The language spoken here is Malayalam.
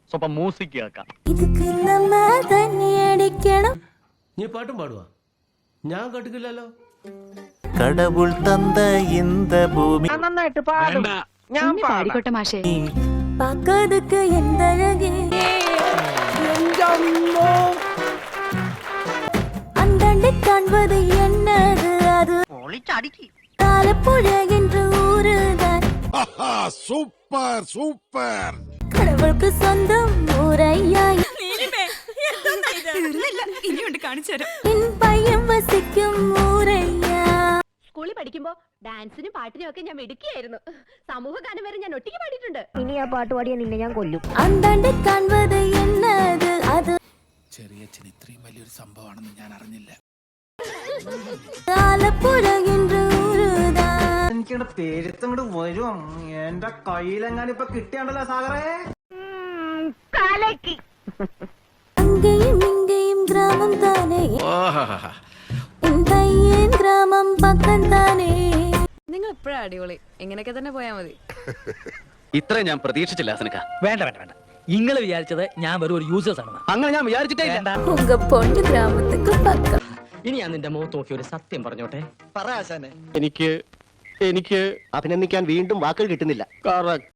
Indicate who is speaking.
Speaker 1: സ്വപ്പം മ്യൂസിക് കേൾക്കാം.
Speaker 2: നീ പാട്ടും പാടുവാ? ഞാൻ കേട്ടിട്ടില്ലല്ലോ.
Speaker 3: കടവുൾ തந்த இந்த ഭൂമി
Speaker 4: നന്നായിട്ട് പാടും. ഞാൻ പാടിക്കോട്ടെ മാഷേ.
Speaker 5: പാക്കാതൊക്കെ എന്തഴകേ അന്തണ്ട് കാൺപത് എന്നത് അത് ആലപ്പുഴ என்று ஊருதான்.
Speaker 6: Super super.
Speaker 5: கடவுளுக்கு சொந்தம் ஊரையாய்
Speaker 4: ഇനിയുണ്ട് കാണിച്ചു തരാം.
Speaker 5: என் பையன் வசிக்கும் ஊரையா.
Speaker 7: സ്കൂളിൽ പഠിക്കുമ്പോ ഡാൻസിനും പാട്ടിനും ഒക്കെ ഞാൻ മിടുക്കിയായിരുന്നു. സമൂഹ ഗാനം വരെ ഞാൻ ഒറ്റയ്ക്ക് പാടിയിട്ടുണ്ട്.
Speaker 5: ഇനി ആ പാട്ട് പാടിയ നിന്നെ ഞാൻ കൊല്ലും. അന്തണ്ട് കാൺപത് എന്നത് അത്
Speaker 6: ചെറിയ ഇത്രയും വലിയൊരു സംഭവമാണെന്ന് ഞാൻ അറിഞ്ഞില്ല.
Speaker 5: ആലപ്പുഴ என்று ஊருதான்.
Speaker 8: എനിക്കിവിടെ പേരുത്തങ്ങോട്ട് വരും. എന്റെ കയ്യിലെങ്ങാനും ഇപ്പൊ കിട്ടിയാണ്ടല്ലോ സാഗറേ.
Speaker 5: அங்கேயும் இங்கேயும் கிராமம் தானே, என் பையன் கிராமம் பக்கம் தானே.
Speaker 4: നിങ്ങൾ എപ്പോഴാ അടിപൊളി. ഇങ്ങനെയൊക്കെ തന്നെ പോയാ മതി.
Speaker 1: ഇത്രയും ഞാൻ പ്രതീക്ഷിച്ചില്ല ഹസനക്ക.
Speaker 9: വേണ്ട വേണ്ട വേണ്ട, നിങ്ങൾ വിചാരിച്ചത് ഞാൻ വെറും ഒരു യൂസേഴ്സ് ആണ്.
Speaker 1: അങ്ങനെ ഞാൻ വിചാരിച്ചിട്ടേ ഇല്ല.
Speaker 5: உங்க பொண்ணு கிராமத்துக்கு பக்கம்.
Speaker 9: ഇനി ഞാൻ നിന്റെ മുഖത്ത് നോക്കി ഒരു സത്യം പറഞ്ഞോട്ടെ.
Speaker 1: എനിക്ക്
Speaker 3: അഭിനന്ദിക്കാൻ വീണ്ടും വാക്കുകൾ കിട്ടുന്നില്ല.
Speaker 1: correct.